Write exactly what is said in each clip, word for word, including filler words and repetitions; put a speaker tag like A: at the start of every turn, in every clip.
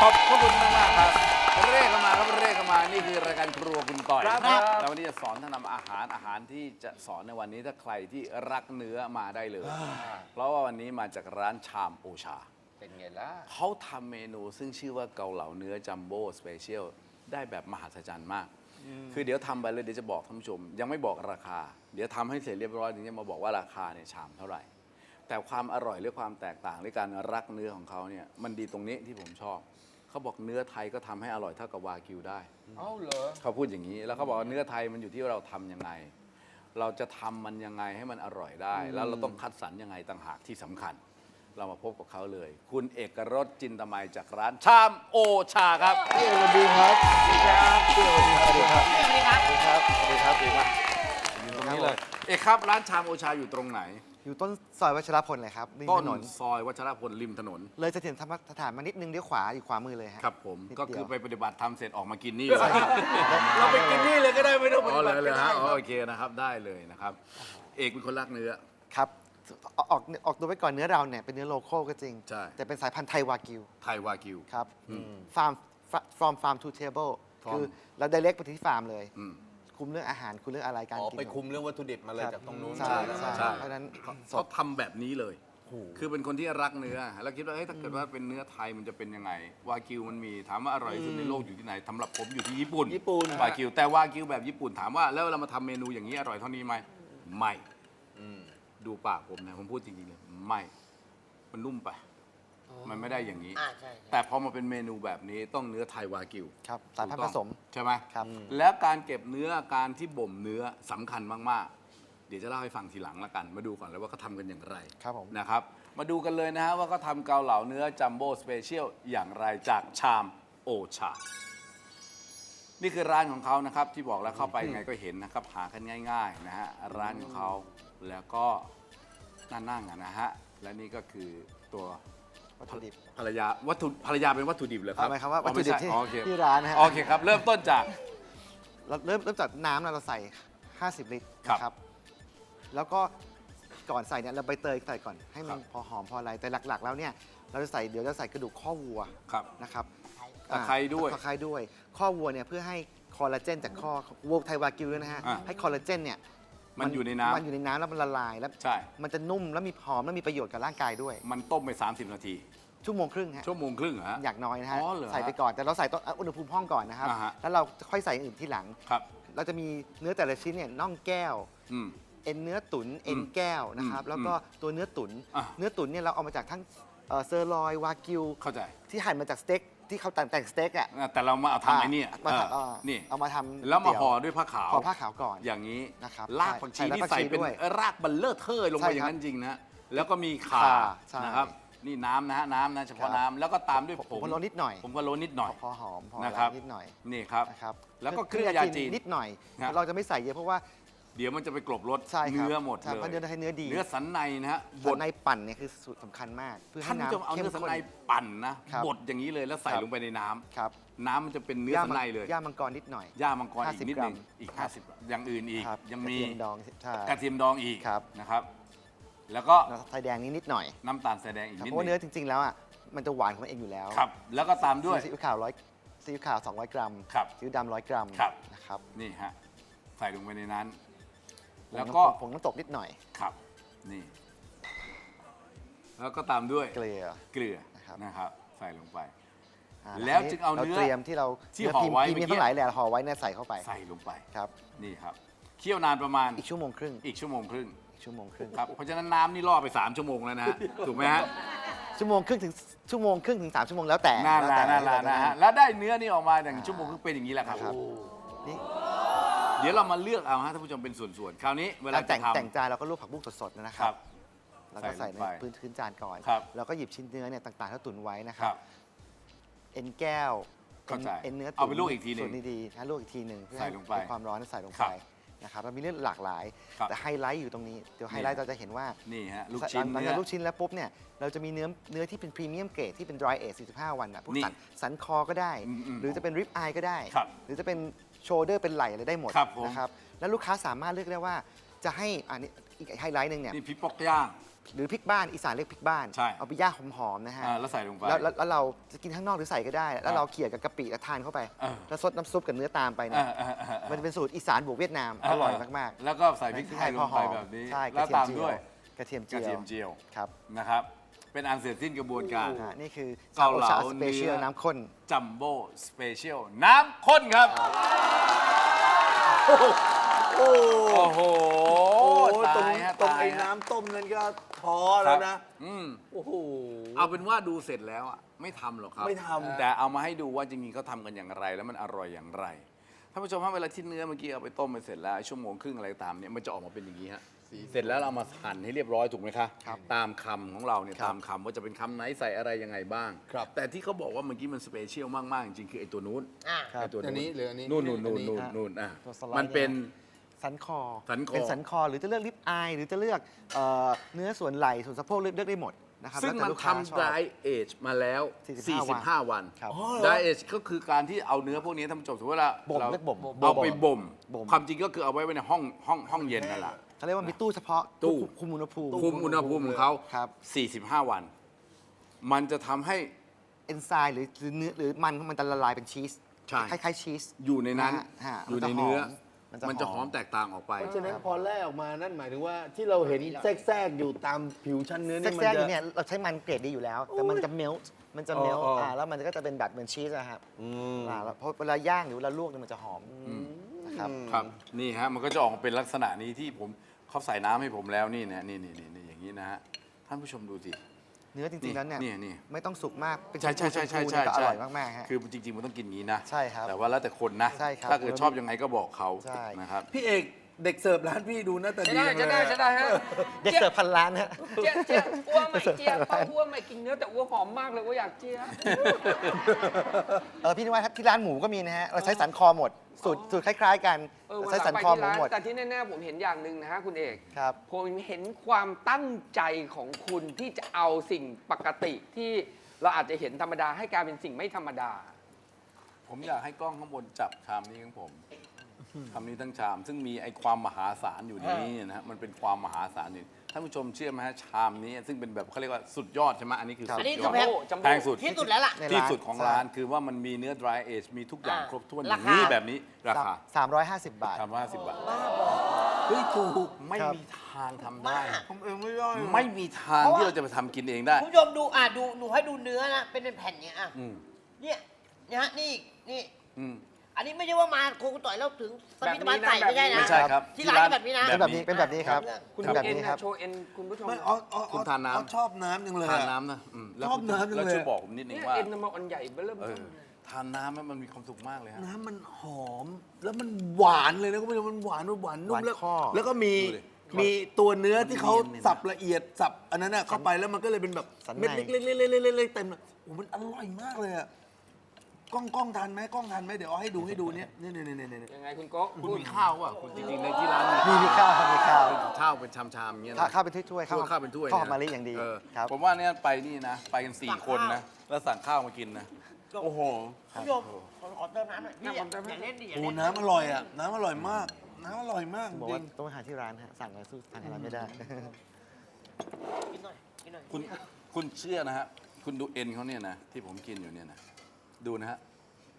A: อบพระคุณมากมากครับเร่เข้ามาครับเร่เข้ามานี่คือรายการครัวคุณต่อย
B: ครับ
A: แล้ววันนี้จะสอนท่านทำอาหารอาหารที่จะสอนในวันนี้ถ้าใครที่รักเนื้อมาได้เลย เพราะว่าวันนี้มาจากร้านชามโอชา
B: เป็นไงล่ะ
A: เขาทำเมนูซึ่งชื่อว่าเกาเหลาเนื้อจัมโบ้สเปเชียลได้แบบมหัศจรรย์มาก คือเดี๋ยวทำไปเลยเดี๋ยวจะบอกท่านผู้ชม ยังไม่บอกราคา เดี๋ยวทำให้เสร็จเรียบร้อยถึงจะมาบอกว่าราคาเนี่ยชามเท่าไหร่ แต่ความอร่อยหรือความแตกต่างหรือการรักเนื้อของเขาเนี่ยมันดีตรงนี้ที่ผมชอบ เขาบอกเนื้อไทยก็ทำให้อร่อยเท่ากับวากิวได้
B: เอ้าเหรอ
A: เขาพูดอย่างนี้ แล้วเขาบอกว่าเนื้อไทยมันอยู่ที่เราทำยังไง เราจะทำมันยังไงให้มันอร่อยได้ แล้วเราต้องคัดสรรยังไงต่างหากที่สำคัญ เรามาพบกับเขาเลย คุณเอกรสจินตมัยจากร้านชามโอชาครับ
C: พี่เอกสวัสดีครับสวัสดีครับพี่เอกสวัสดีครับสวัสดีครับสวัสดีครับสวัสดีครับสวัสดีครับ
A: อยู่ตรงนี้เลย เอกครับร้านชามโอชาอยู่ตรงไหน
C: อยู่ต้นซอยวัชรพลเลยครับริม
A: ต้น
C: ถนน
A: ซอยวัชรพลริมถนน
C: เลยเสถียรธรรมสถานมานิดนึงเลี้ยวขวาอยู่ขวามือเลยฮะ
A: ครับผม
C: นิด
A: ก็
C: เดียว
A: คือไปปฏิบัติธรรมเสร็จออกมากินนี่
C: ใช่ครับ
B: เราไปกินนี่เลยก็ได้ไม่ต้องป
A: อ๋อ
B: ฏิ
A: เล
B: บั
A: ย
B: ติ
A: เลย
B: ก็
A: ฮะ
B: ได้
A: อ๋อโอเคนะครับได้เลยนะครับ เอกเป็นคนรักเนื้อ
C: ครับออกออกออกตัวไว้ก่อนเนื้อเราเนี่ยเป็นเนื้อโลคอลก็จริง
A: ใช่
C: แต่เป็นสายพันธุ์ไทยวากิว
A: ไทยวากิว
C: ครับ
A: อืม
C: ฟาร์ม from farm to table
A: From
C: คือเรา direct ไปที่ฟาร์มเลย
A: อืม
C: คุมเรื่องอาหารคุมเรื่องอะไรการ
B: อ๋อ
C: กิน
B: ไปคุมเรื่องวัตถุดิบมาเลย
C: ครับ
B: จากตรงนู้น
C: ใช่
B: เลย
C: ใช่
A: ใช่
C: เพราะฉะนั้นส
A: เขา
C: ด
A: ทำแบบนี้เลย คือเป็นคนที่รักเนื้อ แล้วคิดว่าเฮ้ยถ้าเกิดว่าเป็นเนื้อไทยมันจะเป็นยังไง วากิวมันมี ถามว่าอร่อยที่สุดในโลกอยู่ที่ไหนสำหรับผมอยู่ที่ญี่ปุ่น
B: ญี่ปุ่น
A: วากิว แต่วากิวแบบญี่ปุ่นถามว่าแล้วเรามาทำเมนูอย่างนี้อร่อยเท่านี้ไหมไม่
B: อืม
A: ดูปากผมนะผมพูดจริงๆเลยไม่ มันนุ่มไป มันไม่ได้อย่างนี้
D: อ่าใช่ใช่
A: แต่พอมาเป็นเมนูแบบนี้ต้องเนื้อไทยวากิว
C: ครับสายพันธุ์ผสม
A: ใช่ไหม
C: ครับ
A: แล้วการเก็บเนื้อการที่บ่มเนื้อสำคัญมากๆ เดี๋ยวจะเล่าให้ฟังทีหลังละกัน มาดูก่อนเลยว่าเขาทำกันอย่างไร
C: ครับผม
A: นะครับ มาดูกันเลยนะฮะว่าเขาทำเกาเหลาเนื้อจัมโบ้สเปเชียลอย่างไรจากชามโอชา นี่คือร้านของเขานะครับ ที่บอกแล้วเข้าไปยังไงก็เห็นนะครับ หากันง่ายๆนะฮะร้านของเขาแล้วก็น่านั่งอะนะฮะและนี่ก็คือตัว
C: วัตถุดิบ
A: ภรรยาวัตถุภรรยาเป็นวัตถุดิบเหรอครับ
C: หมายความว่า
A: อ๋อ
C: วัตถุดิบที่
A: ไม่ใช่อ๋อโอเค
C: ที่ร้านนะฮะ
A: โอเคครับ เริ่มต้นจาก
C: เราเริ่มเริ่มจากน้ำนะเราใส่ ห้าสิบ ลิตร
A: ครับ
C: นะครับ แล้วก็ก่อนใส่เนี่ยเราใบเตยใส่ก่อนให้มัน
A: ครับ
C: พอหอมพออะไร แต่หลักๆ แล้วเนี่ยเราจะใส่เดี๋ยวจะใส่กระดูกข้อวัว
A: ครับ
C: นะครับ
A: ตะไคร้ด้วย
C: ตะไคร้ด้วย ข้อวัวเนี่ยเพื่อให้คอลลาเจนจากข้อวัวไทยวากิวด้วยนะฮะ
A: อ่า
C: ให้คอลลาเจนเนี่ย
A: มันอยู่ในน้ำ
C: มันอยู่ในน้ำแล้วมันละลายแล้ว
A: ใช่
C: มันจะนุ่มแล้วมีหอมแล้วมีประโยชน์กับร่างกายด้วย
A: มันต้มไป สามสิบ นาที
C: ชั่วโมงครึ่งฮะ
A: ชั่วโมงครึ่งเหรอฮะ
C: อยากน้อยนะฮะ
A: อ๋อเหรอฮะ
C: ใส่ไปก่อนแต่เราใส่ต้นอุณหภูมิห้องก่อนนะครับ
A: อ่าฮะ
C: แล้วเราค่อยใส่อย่างอื่นที่หลัง
A: ครับ
C: เราจะมีเนื้อแต่ละชิ้นเนี่ยน่องแก้ว
A: อืม
C: เอ็นเนื้อตุ๋นเอ็นแก้วนะครับ
A: อืม
C: แล้วก็ตัวเนื้อตุ๋น
A: อ่ะ
C: เนื้อตุ๋นเนี่ยเราเอามาจากทั้งเอ่อเซอร์ลอยวากิว
A: เข้าใจ
C: ที่หั่นมาจากสเต็กที่เขาแต่งแต่งสเต็กอ่ะ
A: อ่ะแต่เรามาเอาทำไอ้เนี่ย
C: มา
A: เออ
C: ทำเอ่อ
A: นี่
C: เอามาทำ
A: แล้วมา
C: ก๋ย
A: ห่อ
C: เตี๋
A: ด้วยผ้าขาว
C: ห่อผ้าขาวก่อน
A: อย่างนี้
C: นะครับ
A: รากผักชี
C: ใช่
A: ที่
C: ใส่
A: ใส่
C: รากผักชี
A: เป็น
C: ด้วย
A: รากบัลเลอร์เทอร์ลง
C: ใช่
A: ไปอย่างนั้นจริงนะ แล้วก็มีข่า
C: ข่าใช่
A: นะครับ นี่น้ำนะฮะน้ำนะเฉพาะ
C: ครับ
A: น้ำแล้วก็ตามด้วย
C: ผ
A: ผม
C: พะโล้นิดหน่อย
A: ผมก็โรยนิดหน่อย
C: พอหอมพอ
A: นะ
C: อะไร
A: ครับ
C: นิดหน่อย
A: นี่ครับ
C: นะครับ
A: แล้วก็เครื่องยาจีน
C: นิดหน่อย
A: ครับ
C: เราจะไม่ใส่เยอะเพราะว่า
A: เดี๋ยวมันจะไปกลบรส
C: ใช่ครับ
A: เนื้อหมด
C: ใช่
A: เลย
C: เพราะเนื้อไทยเนื้อดี
A: เนื้อสันในนะฮะบ
C: ส่ว
A: ด
C: นในปั่นเนี่ยคือสูตรสำคัญมากเพื่อให้
A: ท่านผู้ชมเอา
C: น้ำเข้ม
A: เนื้อสัน
C: ข้น
A: ในปั่นนะครับ บดอย่างนี้เลยแล้วใส่
C: ครับ
A: ลงไปในน้ำ
C: ครับ
A: น้ำมันจะเป็นเนื้อสันในเลย
C: ย่ามังกรนิดหน่อย
A: ย่ามังกรอีก
C: ห้าสิบ
A: นิดหนึง
C: กรัม
A: อีก ห้าสิบ อย่างอื่นอีก
C: ครับ
A: ยัง
C: กระ
A: มี
C: เทียมดองใช่
A: กระเทียมดองอีก
C: ครับ
A: นะครับ แล้วก็
C: แล้วไทยแดงนี้นิดหน่อย
A: น้ำตาลทรายแดงอีก
C: ครับ
A: นิด
C: เพราะว่า
A: หนึ
C: เนื้อง จริง ๆ แล้วอ่ะมันจะหวานของมันเองอยู่แล้ว
A: ครับ แล้วก็ตามด้วย
C: ซีอิ๊วขาวร้อยซีอิ๊วขาวสองร้อยกรัม
A: ครับ
C: ซีอิ๊วดำร้อยกรัม
A: ครับ
C: นะครับ
A: นี่ฮะใส่ลงไปในนั้น
C: ผง
A: แล้ว
C: น้ำ
A: ก็
C: ผงน้ำตกนิดหน่อย
A: ครับนี่ แล้วก็ตามด้วย
C: เกลือ
A: เกลือ
C: นะครับ
A: นะครับ ใส่ลงไป
C: อ่า
A: แล้วจึงเอา
C: เรา
A: เนื้อ
C: เตรียมที่เรา
A: ที่
C: เนื้
A: ห่อ
C: พิมพ์
A: ไว้
C: พรีเมียม
A: เมื่อกี้
C: ทั้งหลายแหละห่อไว้เนี่ยใส่เข้าไป
A: ใส่ลงไป
C: ครับ
A: นี่ครับ เคี่ยวนานประมาณ
C: อีกชั่วโมงครึ่ง
A: อีกชั่วโมงครึ่ง
C: อีกชั่วโมงครึ่ง
A: ครับ เพราะฉะนั้นน้ำนี่ล่อไปสามชั่วโมงแล้วนะฮะ ถูกไหมฮะ
C: ชั่วโมงครึ่งถึงชั่วโมงครึ่งถึงสามชั่วโมงแล้วแต่
A: น่า
C: แล้ว
A: ละ
C: แต่
A: น่าละ
C: แล้วแต่
A: นะฮะ แล้วได้เนื้อนี่ออกมาอย่าง
C: อ่า
A: ชั่วโมงครึ่งเป็นอย่างนี้แหละครับ
C: นะครับ นี่
A: เดี๋ยวเรามาเลือกเอาฮะท่านผู้ชมเป็นส่วนๆ คราวนี้เวลา
C: การ
A: จะ
C: แต่ง
A: ทำ
C: แต่งจานเราก็ลวกผักบุ้งสดๆนะค
A: ครั
C: รับ บ แล้วก็
A: ใส่
C: ใส่
A: ลงไป
C: ในพื้นพื้นจานก่อน
A: ครับ
C: แล้วก็หยิบชิ้นเนื้อเนี่ยต่างๆที่เราตุ๋นไว้นะค
A: ค
C: รั
A: รับ บ
C: เอ็นแก้ว
A: เข้าใจ
C: เอ็นเนื้อตุ๋น
A: เอาไปลวกอีกทีหนึ่ง
C: ส่วนดีๆนะลวกอีกทีหนึ่งเพื่อ
A: ใส่ลงไป
C: ให้ความร้อนใส่ลง
A: ครั
C: ไป
A: บ
C: นะครับเรามีเรื่องหลากหลาย
A: ครับ
C: แต่ไฮไลท์อยู่ตรงนี้เดี๋ยวไฮไลท์
A: นี่
C: เราจะเห็นว่า
A: นี่ฮะลูกชิ้น
C: หลัง
A: เนื้
C: จา
A: อ
C: กลูกชิ้นแล้วปุ๊บเนี่ยเราจะมีเนื้อเนื้อที่เป็นพรีเมียมเกรดที่เป็น dry age สี่สิบห้าวันอ่ะพวก
A: นี่
C: สันสันคอก็ได้
A: อืมอืม
C: หรือจะเป็นริบอายก็ได้
A: ครับ
C: หรือจะเป็นโชเดอร์เป็นไหล่อะไรได้หมด
A: ครับผม
C: นะครับแล้วลูกค้าสามารถเลือกได้ว่าจะให้อันนี้อีกไฮไลท์หนึ่งเนี่ย
A: นี่พริกปอกย่าง
C: หรือพริกบ้านอีสานเรียกพริกบ้าน
A: ใช่
C: เอาไปย่างหอมๆนะฮะ
A: อ่าแล้วใส่ลงไป
C: แล้วแล้วแล้วเราจะกินข้างนอกหรือใส่ก็ได้ แล้วเราเขี่ยกับกะปิแล้วทานเข้าไป
A: เออ
C: แล้วซดน้ำซุปกับเนื้อตามไปเนี่ย
A: อ่าอ่าอ่าอ่า
C: มันจะเป็นสูตรอีสานบวกเวียดนามอร่อยมากๆ
A: แล้วก็ใส่พริกไทยลงไปแบบนี้
C: ใช่
A: แล้วตามด้วย
C: กระเทียม
A: ก
C: เจี
A: ระ
C: ยว
A: เทียมเจียว
C: ครับ
A: นะครับ เป็นอันเสร็จสิ้นกระบวนการ
C: อ่านี่คือ
A: เกาเหลา
C: ชสเปเชียล
A: เนื้อ
C: น้ำข้น
A: จัมโบ้สเปเชียลน้ำข้นครับ
B: โอ้
A: โอ้โห
B: ตรง
A: ตายฮะ
B: ตรงไอ้
A: ตายฮะ
B: น้ำต้มนั้นก็ท้อแล้วนะ
A: อืม
B: โอ้โห
A: เอาเป็นว่าดูเสร็จแล้วอ่ะไม่ทำหรอกครับ
B: ไม่ทำ
A: แต่เอามาให้ดูว่าจริงๆเขาทำกันอย่างไร แล้วมันอร่อยอย่างไรท่านผู้ชมครับเวลาที่เนื้อเมื่อกี้เอาไปต้มไปเสร็จแล้วชั่วโมงครึ่งอะไรตามเนี่ยมันจะออกมาเป็นอย่างนี้ฮะเสร็จแล้วเรามาหั่นให้เรียบร้อยถูกไหมคะ
C: ครับ
A: ตามคำของเราเนี่ย
C: ครับ
A: ตามคำว่าจะเป็นคำไหนใส่อะไรยังไงบ้าง
B: ครับ
A: แต่ที่เขาบอกว่าเมื่อกี้มันสเปเชียลมากๆจริงๆคือไอ้ตัวนู้น
D: อ่ะ
C: ครับ
A: ไอ้ตัว
B: อันนี้หรืออันนี้
A: นู่นนู่นนู่น
B: อันนี้
A: นู่นนู่นอ่ะ
C: ตัวสไลด์
A: มันเป็น
C: สันคอ
A: สันคอ
C: เป็นสันคอหรือจะเลือกลิปอายหรือจะเลือกเอ่อเนื้อส่วนไหล่ส่วนสะโพกเลือกเลือกได้หมดนะครับ
A: ซึ่ง
C: แล้วแต่
A: มัน
C: ลูกค้าช
A: ทำ
C: อบ
A: dry age มาแล้ว
C: สี่สิบห้า
A: สี่สิบห้า วัน
C: ครับ
A: dry age ก็คือการที่เอาเนื้อพวกนี้ท่านผู้ชมสมมติว่า
C: บ่ม
A: เรา
C: เรียกบ่ม
A: เอาไปบ่ม
C: บ่ม
A: ความจริงก็คือเอาไว้ไว้ในห้องห้องห้องเย็นนั่นแหละ
C: เขาเรียกว่ามีตู้เฉพาะ
A: ตู้
C: คุมอุณหภูมิ
A: คุมอุณหภูมิของเขา
C: ครับ
A: สี่สิบห้า วัน มันจะทำให้
C: เอนไซม์หรือหรือเนื้อหรือมันมันจะละลายเป็นชีส
A: ใช่
C: คล้ายๆชีส
A: อยู่ในนั้น
C: ฮะฮะ
A: อยู่ในเนื้อ
C: มันจะหอม
A: มันจะหอมแตกต่างออกไป
B: เพราะฉะนั้นพอแล่ออกมานั่นหมายถึงว่าที่เราเห็นแทรกๆอยู่ตามผิวชั้นเนื้อนี่มัน
C: แทรกๆอ
B: จะ
C: ยู่เนี่ยเราใช้มันเกรดดีอยู่แล้ว แต่มันจะเมลต์มันจะเมลต์
B: อ๋ออ๋ออ่
C: อ่าแล้วมันก็จะเป็นแบบเหมือนชีสนะครับ
B: อืม
C: อ่าแล้วเพราะเวลาย่างหรือเวลาลวกเนี่ยมันจะหอมนะครับ
A: ครับ นี่ฮะ มันก็จะออกมาเป็นลักษณะนี้ที่ผมเขาใส่น้ำให้ผมแล้วนี่นะนี่นี่นี่นี่อย่างนี้นะฮะ ท่านผู้ชมดูสิ
C: เนื้อจริงๆแล้วเนี่ย
A: นี่นี่
C: ไม่ต้องสุกมากเป็น
A: ใช่ใช่ใช่ใช่ใช่
C: ชมพูๆเนี่ยก็อ
A: ใช่
C: ร่อยมากๆฮะ
A: คือจริงๆมันต้องกินอย่างนี้นะ
C: ใช่ครับ
A: แต่ว่าแล้วแต่คนนะ
C: ใช่ครับ
A: ถ้าเกิดชอบยังไงก็บอกเขา
C: ใช่
A: นะครับ
B: พี่เอกเด็กเสิร์ฟร้านพี่ดูหน้าตา
D: จะ
B: ดี
D: ได้จะได้
B: เลย
D: จะได้ฮะ
C: เด็กเสิร์ฟพันล้านฮะ
D: เจี๊ยบเจี๊ยบอ้วไม่เจี๊ยบเพราะอ้วไม่กินเนื้อแต่อ้วหอมมากเลยอ้วอยากเจี๊ยบ
C: เออพี่นิวัฒน์ครับที่ร้านหมูก็มีนะฮะเราใช้สันคอหมดสูตรสูตรคล้ายๆ กัน
D: เออวัน
C: ใช้
D: หลั
C: สั
D: ง
C: น
D: ไป
C: คอ
D: ที่
C: หมู
D: ร้าน
C: หมด
D: แต่ที่แน่ๆผมเห็นอย่างหนึ่งนะฮะคุณเอก
C: ครับ
D: ผมเห็นความตั้งใจของคุณที่จะเอาสิ่งปกติที่เราอาจจะเห็นธรรมดาให้กลายเป็นสิ่งไม่ธรรมดา
A: ผมอยากให้กล้องข้างบนจับชามนี้ของผมชามนี้ทั้งชาม ซึ่งมีไอ้ความมหาศาลอยู่ในนี้นะฮะมันเป็นความมหาศาลอยู่ท่านผู้ชมเชื่อไหมฮะชามนี้ ซึ่งเป็นแบบเขาเรียกว่าสุดยอดใช่ไหมอันนี้คือ
C: ครับ
A: สุ
D: อั
A: ด
D: นนี้
A: ย
D: คือ
A: อด
D: แพงจัมโบ้
A: แพงสุด
D: ที่สุดแล้วล่ะ
C: ในร้าน
A: ที่สุดของร้าน
C: ใช่
A: คือว่ามันมีเนื้อ dry age มีทุกอย่าง
D: อ่า
A: ครบถ้วนอ
D: รา
A: ย่าง
D: คา
A: นี้แบบนี้ราคา
C: สามร้อยห้าสิบบาท
A: สามร้อยห้าสิบบาท
B: เฮ้ยถูก
A: ไม่
C: ครับ
A: มีทางทำได้
B: ผมเองไม่ได้
A: ไม่มีทาง
D: เพราะว่า
A: ที่เราจะไปทำกินเองได้
D: คุณผู้ชมดูอ่ะดูหนูให้ดูเนื้อนะเป็นเป็นแผ่นอย่างเงี้ยอ่ะ
A: อืม
D: เนี่ยนะฮะนี่นี่
A: อืม
D: อันนี้ไม่ใช่ว่ามาโคกุต่อยแล้วถึงสมิธบาล
E: แบบนี้นะ
D: ใส่ไม่ใช่นะ
A: ไม่ใช่ครับ
D: ที่ร้านเป็นแบบนี้นะ
C: เป็นแบบนี้เป็นแบบนี้ครับ
D: คุณ
C: เป็นแบบ
D: เอ็น
C: นี้ค
D: นะ
C: รับ
D: โชว์เอ็นคุณผู้ชม
B: ไม่อ๋ออ๋อ
A: คุณทานน้ำ
B: อ๋อชอบน้ำจังเลย
A: ทาน
B: อะ
A: น้ำนะอืมแล้ว
B: ชอบน้ำจังเลย
A: แล้วช่วยบอกผมนิดนึง
D: เนี่ย
A: ว่า
D: เอ็นมันอันใหญ่เบ้อเริ่ม
A: เอ
D: ต้
A: อน ทานน้ำแล้วมันมีความสุขมากเลยฮะ
B: น้ำมันหอม แล้วมันหวานเลยนะคุณผู้ชมมันหวานหวานนุ่
C: ห
B: ม
C: วาน
B: แล้ว
C: ข้อ
B: แล้วก็มี
A: ดูดิ
B: มีตัวเนื้อที่เขา
A: เนียนๆนะ
B: สับละเอียดสับอันนั้นน่ะเข้าไปแล้วมันก็เลยเป็นแบบ
C: สันใน
B: เม็ดเล็กๆๆๆๆๆเต็มเลยโอ้มันอร่อยมากเลยอะกล้องกล้องทันไหมกล้องทันไหมเดี๋ยวเอาให้ดูให้ดูเนี่ยเนี่ยเนี่ยเนี่ยเนี่ย
D: ยังไงคุณโก้
A: คุณมีข้าวอ่ะคุณจริงๆในที่ร้าน
C: มีมีข้าวครับมีข้าว
A: ข้าวเป็นชามๆอย่างเงี้ย
C: ข้าว
A: นะ
C: ข้าวเป็นถ้วยๆ
A: ข้าวข้าวเป็นถ้วย
C: ข้าวหอม
A: นะ
C: มะลิอย่างดี
A: เออ
C: ครับ
A: ผมว่าเนี่ยไปนี่นะ ไปกันสี่คนนะ แล้วสั่งข้าวมากินนะ โอ้โห
D: คุณผู้ชมขอขอเติมน้ำหน่อยพี่อย่าอย่าเล่นดิอย่า
B: โอ้
D: เล่น
B: น้ำอร่อยอ่ะน้ำอร่อยมาก น้ำอร่อยมาก
C: บอก
B: จริ
C: ว่าง ต้องไปหาที่ร้านฮะสั่งอะไรสู้ทางร้านไม่ได้
D: กินหน่อยกินหน่อย
A: คุณคุณเชื่อนะฮะ คุณดูเอ็นเขาเนี่ยนะ ที่ผมกินอยู่เนี่ยนะ ดูนะฮะ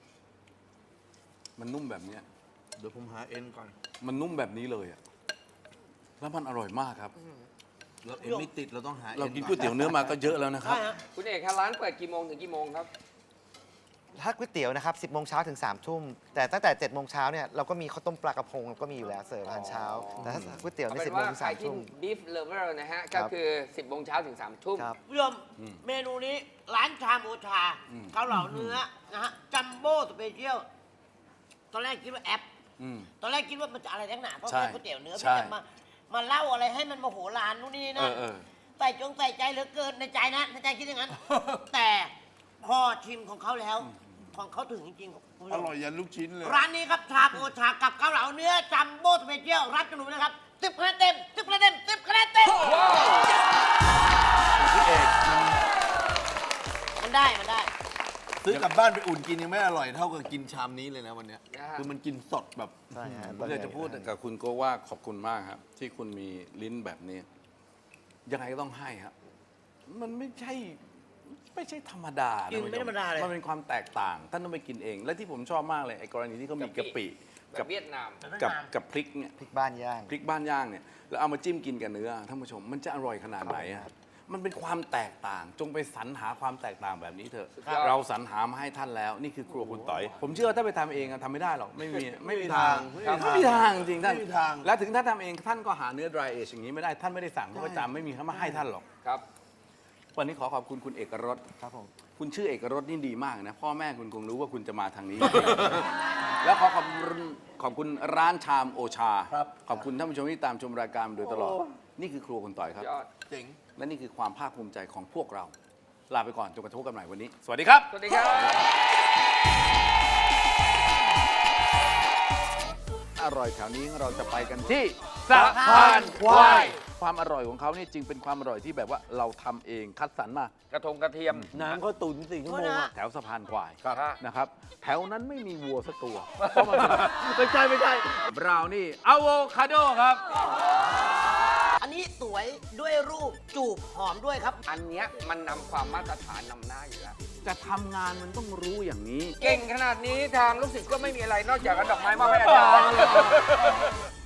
A: มันนุ่มแบบเนี้ย
B: เดี๋ยวผมหาเอ็นก่อน
A: มันนุ่มแบบนี้เลยอะแล้วมันอร่อยมากครับ
B: เราเอ็นไม่ติดเราต้องหา
A: เรา
B: อ็
A: กินก๋วยเตี๋ยวเนื้อมาก็เยอะแล้วนะครับ
D: ใช่ฮะคุณเอกครับร้านเปิดกี่โมงถึงกี่โมงครับ
C: ถ้าก๋วยเตี๋ยวนะครับสิบโมงเช้าถึงสามทุ่มแต่ตั้งแต่เจ็ดโมงเช้าเนี่ยเราก็มีข้าวต้มปลากระพงก็มีอยู่แล้วเสิร์ฟอาหารเช้า แต่ถ้าก๋วยเตี๋ยว
D: เอา
C: ใน
D: เป็
C: สิบ
D: น
C: โมง
D: ว่า
C: ถึง
D: ใคร
C: สาม
D: ที่
C: ทุ่ม
D: beef lover นะฮะ
C: ครั
D: ก็
C: บ
D: คือ สิบโมงเช้าถึงสามทุ่ม
C: ครับ
D: คุณผู้ชมเมนูนี้ร้านชามโอชาเกาเหลาเนื้อนะฮะจัมโบ้สเปเชียลตอนแรกคิดว่าแอป
A: อืม
D: ตอนแรกคิดว่ามันจะอะไรทั้งหนาเพราะ
A: ใช่
D: เป็นก๋วยเตี๋ยวเนื้อ
A: ใช่
D: มันจะมามาเล่าอะไรให้มันโมโหลานนู่นนี่
A: เอ
D: นะ
A: อเออ
D: ใส่จงใส่ใจเหลือเกินในใจนะในใจคิดอย่างนั้น แต่พอชิมของเขาแล้ว ของเขาถึงจริงๆคุณผู้ช
B: อ
D: ม
B: ร่อยยันลูกชิ้นเลย
D: ร้านนี้ครับชาโอชากับเกาเหลาเนื้อจัมโบ้สเปเชียลรับจำนวนนะครับสิบคะแนนเต็มสิบคะแนนเต็มสิบคะแนนเต็ม
A: พี่เอก
D: มันได้มันได้
B: ซื้อกลับบ้านไปอุ่นกินยังไม่อร่อยเท่ากับกินชามนี้เลยนะวันเนี้ย
D: นะฮะ
B: คือมันกินสดแบบ
C: ใช่ฮะ
A: ผมอยากจะพูดกับคุณโก็ว่าขอบคุณมากครับ ที่คุณมีลิ้นแบบนี้ยังไงก็ต้องให้ครับมันไม่ใช่ไม่ใช่ธรรมดานะ
D: จริงไม่ธรรมดาเลย
A: มันเป็นความแตกต่างท่านต้องไปกินเอง และที่ผมชอบมากเลยไอ้กรณีที่เขามีกะปิ
E: กับเวียดนาม
A: กับกับพริกเนี่ย
C: พริกบ้านย่าง
A: พริกบ้านย่างเนี่ยแล้วเอามาจิ้มกินกับเนื้อท่านผู้ชมมันจะอร่อยขนาดไหนอะมันเป็นความแตกต่างจงไปสรรหาความแตกต่างแบบนี้เถอะ
E: ครับ
A: เราสรรหามาให้ท่านแล้วนี่คือครัวคุณต่อย ผมเชื่อว่าถ้าไปทำเองอะทำไม่ได้หรอกไม่มีไม่มีทาง
B: ไม่มีทาง
A: ไม่มีทางจริงๆท่าน
B: ไม่มีทาง
A: และถึงท่านทำเองท่านก็หาเนื้อ dry age อย่างนี้ไม่ได้ท่านไม่ได้สั่งเขาประจำไม่มีเขามาให้ท่านหรอก
E: ครับ
A: วันนี้ขอขอบคุณคุณเอกรส
C: ครับผม
A: คุณชื่อเอกรสนี่ดีมากนะพ่อแม่คุณคงรู้ว่าคุณจะมาทางนี้ แล้วขอขอบคุณขอบคุณร้านชามโอชา
B: ครับ
A: ขอบคุณท่านผู้ชมที่ตามชมรายการมาโดยตลอด นี่คือครัวคุณต่อยครับ
E: ยอด
B: เจ๋ง
A: และนี่คือความภาคภูมิใจของพวกเรา ลาไปก่อนจนกระทั่งพบกันใหม่วันนี้ สวัสดีครับ
E: สวัสดีครับ
A: อร่อยแถวนี้เราจะไปกันที่
B: สะพานควาย
A: ความอร่อยของเขานี่จริงเป็นความอร่อยที่แบบว่าเราทำเองคัดสรรมาก
E: ระทงกระเทียม
B: น้ำเขาตุ๋นสี่ชั่วโมงอะ
A: แถวสะพานควาย
E: ครับ
A: นะครับ แถวนั้นไม่มีวัวสักตัวเพราะมันไม่ใช่ไม่ใช่บราวนี่อะโวคาโดครับ
D: อันนี้สวยด้วยรูปจูบหอมด้วยครับ
E: อันเนี้ยมันนำความมาตรฐานนำหน้าอยู่แล้ว
A: จะทำงานมันต้องรู้อย่างนี้
E: เก่งขนาดนี้ทางลูกศิษย์ก็ไม่มีอะไรนอกจากเอาดอกไม้มาให้อาจารย์